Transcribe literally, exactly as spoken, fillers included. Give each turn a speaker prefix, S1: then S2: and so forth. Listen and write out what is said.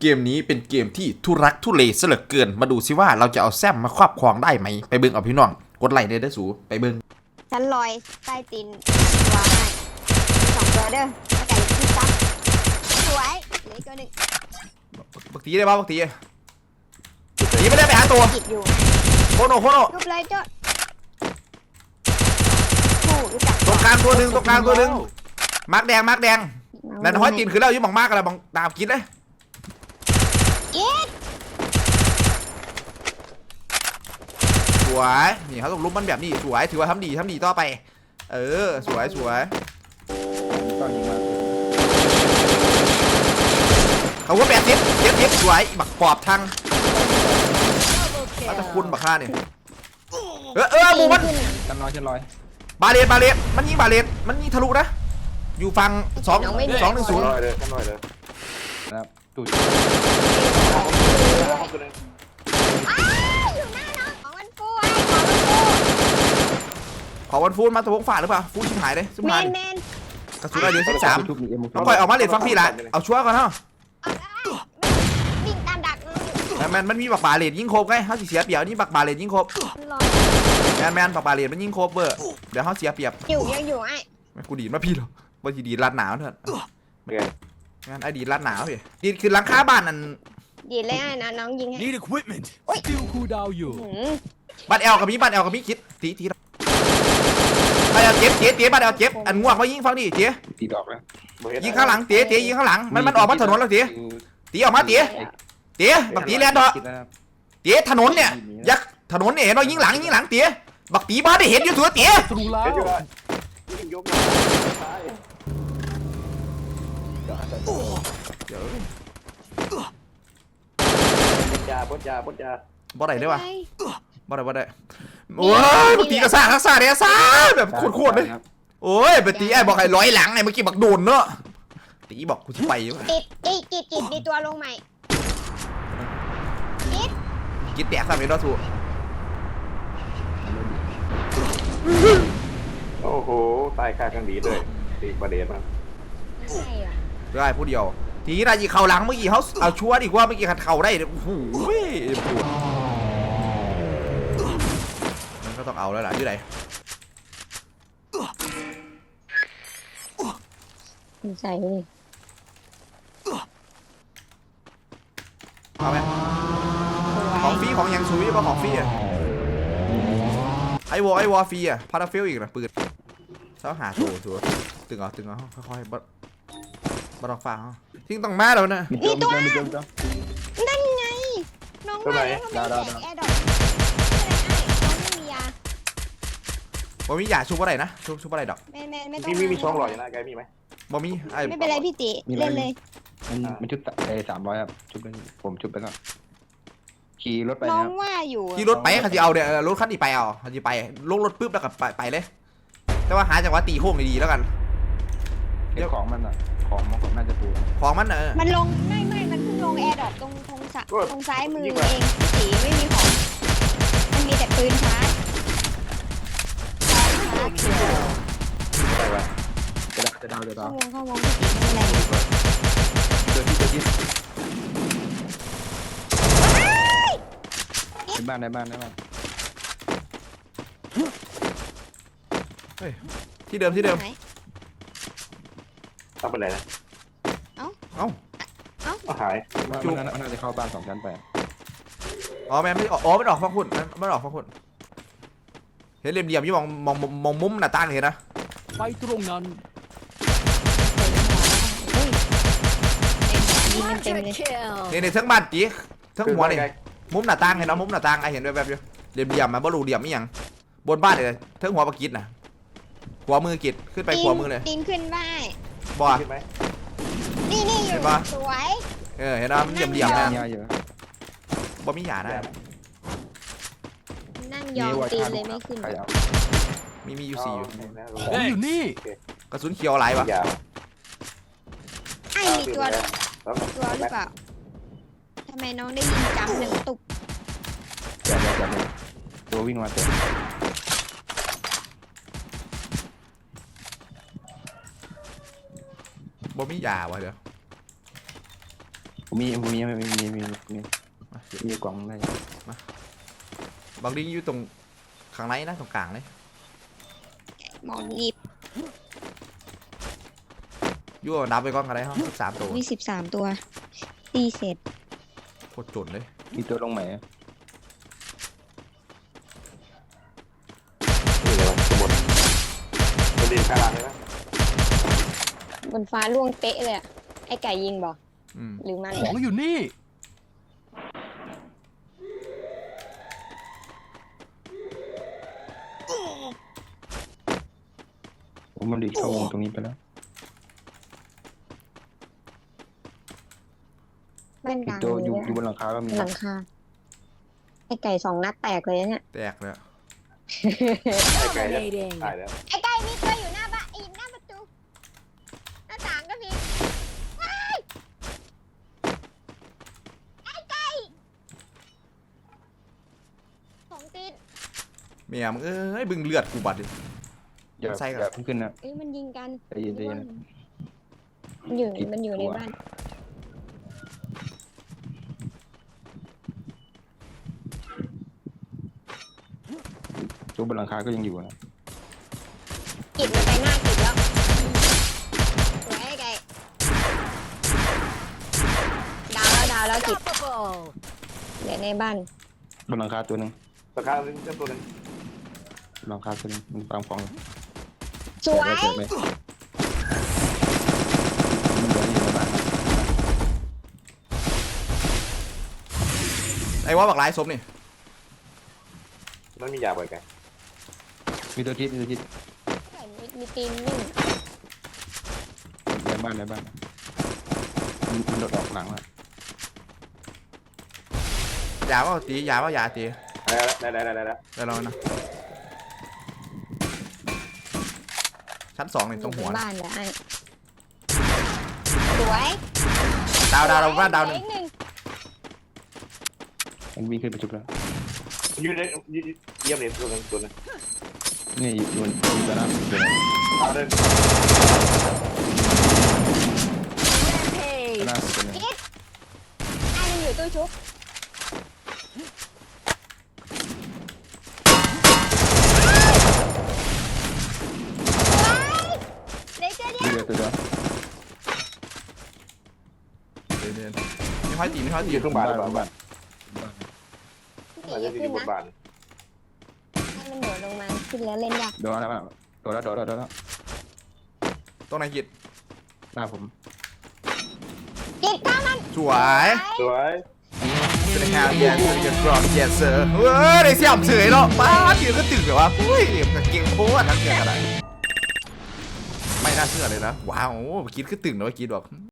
S1: เกมนี้เป็นเกมที่ทุรักทุเลซะเหลือเกินมาดูซิว่าเราจะเอาแซมมาครอบครองได้ไหมไปเบิ้งเอาพี่น้องกดไลค์ได้เด้อสูไปเบิ้ง
S2: ฉันลอยใต้ตีนตัวให้สองตัวเด้อแล้วไก่ที่ซับสวยเหลืออีกตัวหนึ่ง
S1: บักตีได้ป่ะบักตีตีไม่ได้ไปหาตัว
S2: จิตอยู่
S1: โคโนโคโน
S2: รูปเลยเจ้าโอ้รู้จัก
S1: ตรงกลางตัวหนึ่งตรงกลางตัวหนึ่งมาร์กแดงมาร์กแดงนั่นห้อยตีนคือแล้วยิ่งมองมากกันแล้วมองตามกินเลย
S2: กิด
S1: สวยนี่เขาต้องลุมมันแบบนี้สวยถือว่าทำดีทำดีต่อไปเออสวยสวยเขาก็แปดทิปเจ็ดทิปสวยบักปอบทางอาจจะคุณบักฆ่าเนี่ยเออเออมูมัน
S3: กันน้อยเช่นร้อย
S1: บาเลตบาเลตมันยิงบาเลตมันยิงทะลุนะอยู่ฝั่งสองสองหนึ่งศูนย์
S4: น้อยเลยกันน้อยเลย
S3: นะครับตูด
S2: อ้าวอยู่หน้าน้องของมันฟูไอ้ของมันฟู
S1: ขอวันฟูนมาตะวงฝ่าหรือเปล่าฟูชิบหายเลยชิบ
S2: แม
S1: หาย
S2: นแมน
S1: กระสุนอะไรเดือนสิบสาม
S3: ทุบมีเอ็ม
S1: ต้องคอยออกมาเลตฟังพี่ละเอาชัวร์ก่อนเนาะ
S2: เอาได้วิ่งตามดักน้องอยู่
S1: แมนแมนมันมีบักบาเลตยิงโคบไงเขาสิเสียเปรียบนี่บักบาเลตยิงโคบ
S2: มันรอ
S1: แมนแมนบักบาเลตมันยิงโคบเบอร์เดี๋ยวเขาเสียเปรียบ
S2: อยู่ยังอยู่ไอ้
S1: ไม่กูดีดมาพี่หรอกว่าจีดีดรัดหนาวเถอะ
S4: โอเค
S1: งั้นไอ้ดีดรัดหนาวพี่ดีดคือหลังคาบ้านนั่น
S2: ดีเลยไอ้นะน้องยิงให้
S5: Need equipment. Still cool down you.
S2: หืม
S1: บ้านแอลกับมีบ้านแอลกับมีคิดตีตีบ้านแอลเจ็บเจ๊เจ๊บ้านแอลเจ็บอันง่วงมายิงฟังดิเจ๊
S3: ตีดอกนะ
S1: ยิงข้างหลังเจ๊เจ๊ยิงข้างหลังมันมันออกมาถนนแล้วเจ๊ตีออกมาเจ๊เจ๊บักตีแลนด์เถอะ
S3: คิดนะครับ
S1: เตี๋ยถนนเนี่ยยักษ์ถนนเนี่ยเห็นเรายิงหลังยิงหลังเตี๋ยบักตีบ้านได้เห็นอยู่ตัวเตี๋ย
S5: Through
S4: เดี๋ยวอยู่
S5: loud.
S4: ว่ายิงยกมาซ้าย
S1: เดี๋ยว
S4: บดยาบดยาบดยา
S1: บ่ได้ได้ปะ
S2: ไง
S1: บ่ได้บ่ได้โอ้ยบักตีกระซ่าทักษะเนี่ยซ่าแบบโคตรๆเลยโอ้ยบักตีไอ้บอกให้ร้อยหลังไอ้เมื่อกี้บักโดนเนอะตีบอกกูจะไปอยู่
S2: กิดกิดกิดกิดมีตัวลงใหม่กิด
S1: กินแตกซะไม่รอดถูก
S4: โอ้โหตายคาข้างดีเลยตีประเด็นมัน
S2: ใช่เหรอ
S1: ได้ผู้เดียวทีนี้นายยิงเข่าหลังเมื่อกี้เขาเอาชัวร์ดีกว่าเมื่อกี้ขัดเข่าได้โอ้โหปวดมันก็ต้องเอาแล้วล่ะอยู่ไหน
S2: ใส่เลย
S1: เอาไหมของฟรีของยังซุยป่ะของฟรีอะไอวอไอวอฟรีอะพาราเฟลอีกนะปืนเสาหาโถชัวตึงเอาตึงเอาค่อยๆบัดบัดออกฟ้าทิ้งต้องมาแล้วนะ
S3: มีตัวมีตัวมีตัวมีตัว
S2: นั่นไงน้องมาแล้วทำไมแจกแอร์ดอกอะไรไอ้น้องไม่มียา
S1: บ่มียาชุบอะไรนะชุบชุบอะไรดอก
S2: ไม่ไม่ไม่ต้อง
S4: มีมีมีช่องหล่ออยู่นะแกมีไหม
S1: บ่มีไอ
S2: ไม่เป็นไรพี่ติเล่นเลย
S3: มันมันชุดเอสามร้อยครับชุดเป็นผมชุดไปก่อนขี่รถไป
S2: น้อ
S3: นะ
S2: ง
S3: ครับ
S2: ว่าอยู่
S1: ที่รถไปเขาจะเอาเดี๋ยวรถคันนี้ไปเอาเขาจะไปลงรถปุ๊บแล้วก็ไปไปเลย แต่ว่าหาจังหวะตีโค้งดีๆแล้วกัน
S3: เดี๋ยวของมันอ่ะของมันน่าจะปู
S1: ของมันเออ
S2: มันลงไม่ไม่มันเพิ่งลงแอร์ดอกตรงตรงสะตรงซ้ายมือเองพี่ติไม่มีของมันมีแต่ปืนชาร์จ
S4: อะไรวะ
S3: จะดาวจะดาวจะดา
S2: เข้าว วงเข้าวงพี่ติไม่เป็นไร
S3: เจอที่เจอที่ในบ้านในบ้านในบ้าน
S1: ที่เดิมที่เดิม
S2: ไหน
S4: ทำอะไรนะ
S1: เอ้า
S4: ก็หาย
S3: มันน่าจะเข้าบ้านสองชั้นไป
S1: อ๋อแม่ไม่ออกอ๋อไม่ออกฟังคุณไม่ออกฟังคุณเห็นเหลี่ยมๆยี่มองมองมองมุมหน้าต่างเห็นนะ
S5: ไปตรงนั้น
S2: ยิงเต็มเลย
S1: เนี่ยในทั้งบ้านจีทั้งหัวนี่มุมหน้าต่างเห็นเนาะมุมหน้าต่างไอเห็นแบบแบบอยู่เหลี่ยมๆมาบ่รู้เหลี่ยมอีหยังบนบ้านเลยทั้งหัวปะกิดนะหัวมือกิดขึ้นไปหัวมือเลย
S2: ตีนขึ้นได้
S1: บ่
S4: ขึ้นไหม
S2: นี่นี่อยู่สวย
S1: เออเห็นนะมันเหลี่ยมๆนะ
S3: เยอะเยอะ
S1: บ่มีหยาได้
S2: นั่งยองตีนเลยไม่ขึ้น
S3: ใครเอา
S1: มีมีอยู่สี่อยู่
S5: ของอยู่นี่
S1: กระสุนเขียวหลายวะ
S4: ยา
S2: ไอ้มีตัวตัวหรือเปล่าทำไมน้องได้ยินจำหนึ่งตุบ
S3: จับเลยจับเลยตัววิ่งมาเต็ม
S1: บ่มีหยาวะเดี๋ยว
S3: ผผมมีผมมีมีมีมีมีมีมีกล่องได้
S1: บางทีอยู่ตรงข้างในนะตรงกลางเลย
S2: หมอนหยิบ
S1: อยู่เอานับไปก่อนกันได้ห้องสามตัว
S2: มีสิบสามตัวตีเสร็จ
S1: โคตรจนเลย
S3: มีตัวลงไหม
S4: นี่เลยวะสมุดประเด็นข้างล่างเลยนะ
S2: บนฟ้าล่วงเป๊ะเลยอะไอ้ไก่ยิงบอก
S1: อืม
S2: หรือมัน
S5: ของอยู่นี่
S3: ผมมันดีเข้าวงตรงนี้ไปแล้ว
S2: บ้านก
S3: อี
S2: ลาก ง
S3: ตัว
S2: มี
S3: อยู่
S2: ด้วย
S3: อยู่บนหลังคาก็มี
S2: หลังคาไอ้ไก่สองนัดแตกเลยนะเนี่ย
S1: แตกเลยอะ
S4: ไอ้ไก่เนี่ยตายแล้ว
S2: ไอ้ไก่มีตัวอยู่หน้าบ้านอีกหน้าประตูหน้าต่างก็มีว้ายไอ้ไก่ของติด
S1: เมียมึงเอ้ยบึงเลือดกูบัดดิ
S3: อย่า
S1: ใส่ก่อน
S3: อย่าเพิ่งขึ้นนะ
S2: เอ้ยมันยิงกัน
S3: ใจเย็นใจเย็น
S2: มันอยู่
S3: ผิด
S2: มันอยู่ใน
S3: ตัว
S2: บ้าน
S3: ตัวบนหลังคาก็ยังอยู่นะ
S2: กิดมันไปหน้ากิดแล้วสวยไอ้ไก่ดาวแล้วดาวแล้วกิดเหลือในบ้าน
S3: บนหลังคาตัวหนึ่ง
S4: ราคาหนึ่งเจ้าตัวหนึง
S3: หลังคาตัวหนึงมันตามฟอง
S2: สวย
S3: เกิดไหมมันเหลืออยู่ในบ้านนะ
S1: ไอ้ว่าบักหลายศพนี่
S4: มันมียาบ่อยไก่
S3: มีตัวทิศมีตัวทิศ
S2: ไก่มีมีตีนนิ่ง
S3: ในบ้านในบ้านมันมันโดดออกหลังแล้ว
S1: ยาว่าตียาว่ายาตี
S4: ได้แล้วได้แล้วได้แล้ว
S1: ได้แล้วนะชั้นสองนี่ตรงหัว
S2: อยู่ใน
S1: นะ
S2: บ้านเหรอไอ้สวย
S1: ดาวดาวดาวบ้านดาวห
S2: เหลื
S1: นึ่
S2: อง อีกหนึ่ง
S3: มันวิ่งขึ้นไปจุดแล้ว
S4: ยืนเลยยืนเยี่ยมเลยตัวหนึงตัวหนึง
S3: นี่อยู่บนอยู่ตัวนั้นตัวนั้น
S4: เอาเดิน
S3: ตัวนั้นตัวนั้น
S2: กิดไอ้มันอยู่ตู้ชุบสวยเหลยเจอเดียว
S3: เดียวตัวเดียว
S1: เดี๋ยวๆไม่ค่อยตีไม่ค่อยตี
S4: อยู่ข้างบ้านหรือเปล่า
S3: บ้าน
S4: อาจจะ
S2: ตี
S4: อยู่
S2: ขึ้น
S4: บน
S2: นะ
S4: บ้าน
S2: ให้มันโดดลงมาขึ้นแล้วเล่นยาก
S3: โดนแล้วโดนแล้วโดนแล้วโดนแล้ว
S1: ตรงไหนกิด
S3: หน้าผม
S2: กิดข้ามัน
S1: สวย
S4: สวย
S1: สวัสดีครับเยสเยสกรอบเยสเซอร์เฮ้ยได้เสียมเฉยเนาะป้าทีก็ตื่นแบบว่าเฮ้ยเก่งโคตรทั้งเก่งอะไรไม่น่าเชื่อเลยนะว้าวคิดคือตื่นเลยคิดแบบ